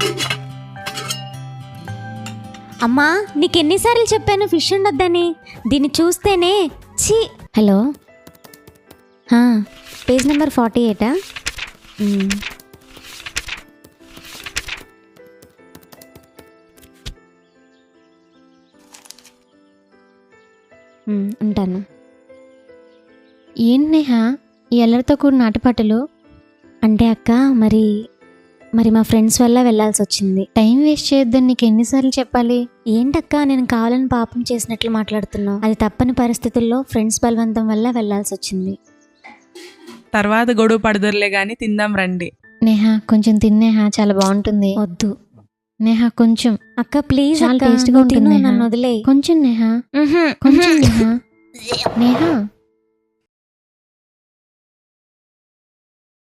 అమ్మా, నీకెన్నిసార్లు చెప్పాను ఫిష్ ఉండొద్దని? దీన్ని చూస్తేనే ఛీ. Hello, page number 48. ఉంటాను. ఏంటి నేహ ఈ అల్లరితో కూడిన ఆటపాటలు? అంటే అక్క, మరి మా ఫ్రెండ్స్ వల్ల వెళ్ళాల్సి వచ్చింది. టైం వేస్ట్ చేయొద్దని నీకు ఎన్నిసార్లు చెప్పాలి? ఏంటక్క, నేను కావాలని పాపం చేసినట్లు మాట్లాడుతున్నావు? అది తప్పని పరిస్థితుల్లో ఫ్రెండ్స్ బలవంతం వల్ల వెళ్ళాల్సి వచ్చింది. తర్వాత గొడవ పడదురులే గాని తిందాం రండి. నేహ కొంచెం తిన్నేహ, చాలా బాగుంటుంది. వద్దు నేహ కొంచెం. అక్క ప్లీజ్, చాలా టేస్ట్గా ఉంటుంది. నన్ను వదిలే. కొంచెం నేహ, కొంచెం నేహ. నేహ